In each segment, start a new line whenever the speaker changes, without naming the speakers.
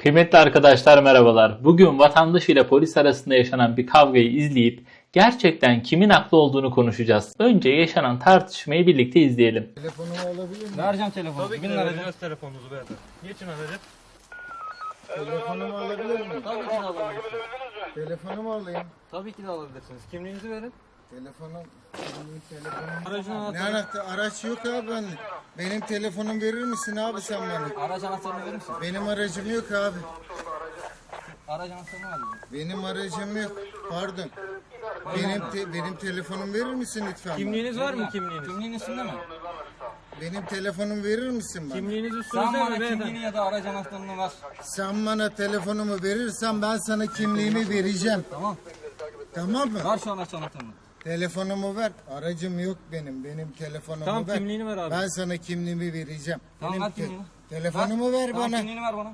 Kıymetli arkadaşlar merhabalar. Bugün vatandaş ile polis arasında yaşanan bir kavgayı izleyip gerçekten kimin haklı olduğunu konuşacağız. Önce yaşanan tartışmayı birlikte izleyelim.
Telefonumu alabilir miyim?
Vereceğim telefonunuzu.
Tabii ki de vereceğiz telefonunuzu beyefendi. Geçin aracı.
Telefonumu alabilir miyim?
Tabii ki de alabilirsiniz.
Telefonumu alayım.
Tabii ki de alabilirsiniz. Kimliğinizi verin.
Telefonum.
Aracın
Ne
anahtarını,
anahtar? Araç yok abi bende. Benim telefonum verir misin abi sen bana?
araç anahtarını verir misin?
Benim aracım yok abi.
Araç anahtarını ver bize.
Benim aracım yok. Pardon. Benim telefonumu verir misin lütfen?
Kimliğiniz var mı kimliğiniz?
Kimliğin üstünde mi?
Benim telefonumu verir misin bana?
Kimliğiniz
Sen
üstünüzde
bana
mi beyefendi?
kimliğini ya da araç anahtarını ver.
Sen bana telefonumu verirsen ben sana kimliğimi vereceğim.
Tamam.
Tamam mı?
Ver şu araç anahtarını.
Telefonumu ver. Aracım yok benim. Benim telefonumu
Tamam,
ver.
kimliğini ver abi.
Ben sana kimliğimi vereceğim.
Tamam,
Benim
ver kimliğini.
telefonumu ver
Tamam,
bana.
kimliğini ver bana.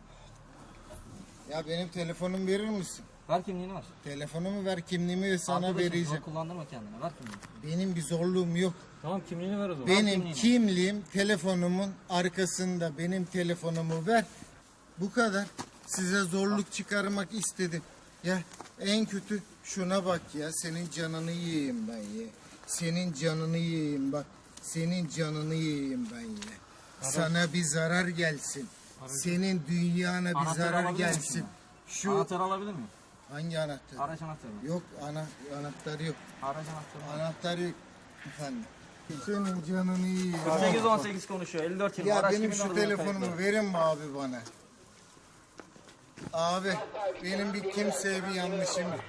Ya benim telefonumu verir misin?
Ver kimliğini ver.
Telefonumu ver, kimliğimi sana
Arkadaşım,
vereceğim.
zor kullandırma kendini. Ver kimliğini.
Benim bir zorluğum yok.
Tamam, kimliğini ver o zaman.
Benim
kimliğini.
kimliğim telefonumun arkasında. Benim telefonumu ver. Bu kadar. Size zorluk çıkarmak istedim. Ya en kötü şuna bak ya. Senin canını yiyeyim ben ya. Senin canını yiyeyim bak. Senin canını yiyeyim ben ya. Sana bir zarar gelsin. Senin dünyana bir
Anahtarı
zarar
alabilir misin
gelsin.
ya?
Şu
Anahtarı alabilir miyim?
hangi anahtar?
Araç anahtarını.
Yok anahtarı yok.
Araç anahtarını.
Anahtarı yok efendim. Senin canını yiyeyim.
818 konuşuyor. 54 yıl.
Ya
Araç
benim
kimin
şu
adına
telefonumu
kayıtlı?
verin mi abi bana? Abi benim bir kimseye bir yanlışım yok.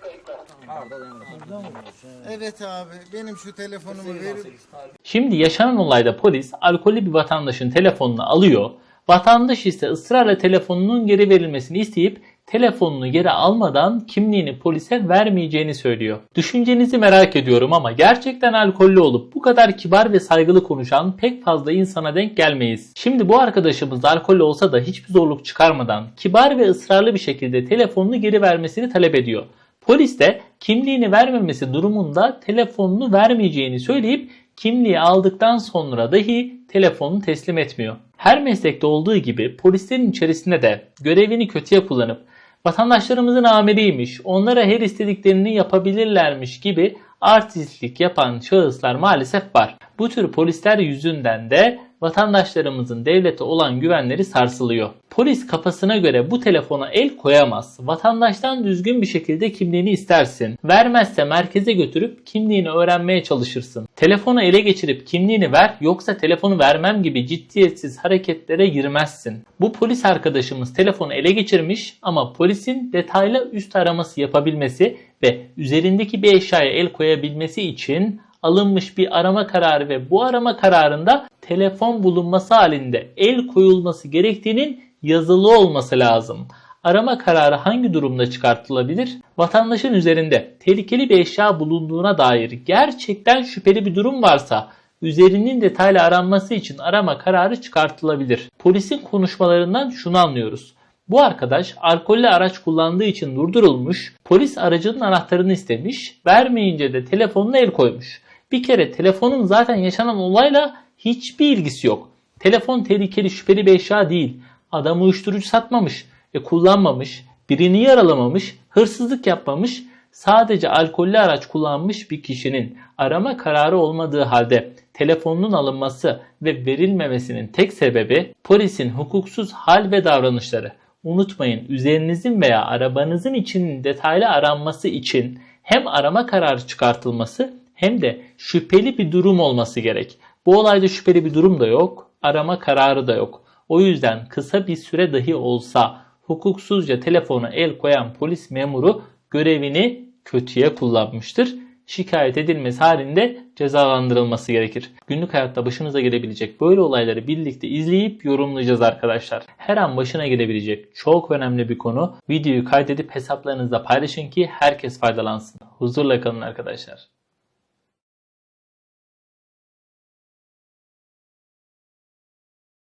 Evet abi benim şu telefonumu verin.
Şimdi yaşanan olayda polis alkollü bir vatandaşın telefonunu alıyor. Vatandaş ise ısrarla telefonunun geri verilmesini isteyip telefonunu geri almadan kimliğini polise vermeyeceğini söylüyor. Düşüncenizi merak ediyorum ama gerçekten alkollü olup bu kadar kibar ve saygılı konuşan pek fazla insana denk gelmeyiz. Şimdi bu arkadaşımız alkollü olsa da hiçbir zorluk çıkarmadan kibar ve ısrarlı bir şekilde telefonunu geri vermesini talep ediyor. Polis de kimliğini vermemesi durumunda telefonunu vermeyeceğini söyleyip kimliği aldıktan sonra dahi telefonunu teslim etmiyor. Her meslekte olduğu gibi polislerin içerisinde de görevini kötüye kullanıp vatandaşlarımızın amiriymiş, onlara her istediklerini yapabilirlermiş gibi artistlik yapan şahıslar maalesef var. Bu tür polisler yüzünden de vatandaşlarımızın devlete olan güvenleri sarsılıyor. Polis kafasına göre bu telefona el koyamaz. Vatandaştan düzgün bir şekilde kimliğini istersin. Vermezse merkeze götürüp kimliğini öğrenmeye çalışırsın. Telefonu ele geçirip kimliğini ver yoksa telefonu vermem gibi ciddiyetsiz hareketlere girmezsin. Bu polis arkadaşımız telefonu ele geçirmiş ama polisin detaylı üst araması yapabilmesi ve üzerindeki bir eşyaya el koyabilmesi için alınmış bir arama kararı ve bu arama kararında telefon bulunması halinde el koyulması gerektiğinin yazılı olması lazım. Arama kararı hangi durumda çıkartılabilir? Vatandaşın üzerinde tehlikeli bir eşya bulunduğuna dair gerçekten şüpheli bir durum varsa üzerinin detaylı aranması için arama kararı çıkartılabilir. Polisin konuşmalarından şunu anlıyoruz. Bu arkadaş alkollü araç kullandığı için durdurulmuş, polis aracının anahtarını istemiş, vermeyince de telefonuna el koymuş. Bir kere telefonun zaten yaşanan olayla hiçbir ilgisi yok. Telefon tehlikeli şüpheli bir eşya değil. Adam uyuşturucu satmamış, kullanmamış, birini yaralamamış, hırsızlık yapmamış. Sadece alkollü araç kullanmış bir kişinin arama kararı olmadığı halde telefonunun alınması ve verilmemesinin tek sebebi polisin hukuksuz hal ve davranışları. Unutmayın, üzerinizin veya arabanızın içinin detaylı aranması için hem arama kararı çıkartılması hem de şüpheli bir durum olması gerek. Bu olayda şüpheli bir durum da yok, arama kararı da yok. O yüzden kısa bir süre dahi olsa hukuksuzca telefona el koyan polis memuru görevini kötüye kullanmıştır. Şikayet edilmesi halinde cezalandırılması gerekir. Günlük hayatta başınıza gelebilecek böyle olayları birlikte izleyip yorumlayacağız arkadaşlar. Her an başına gelebilecek çok önemli bir konu. Videoyu kaydedip hesaplarınızda paylaşın ki herkes faydalansın. Huzurla kalın arkadaşlar.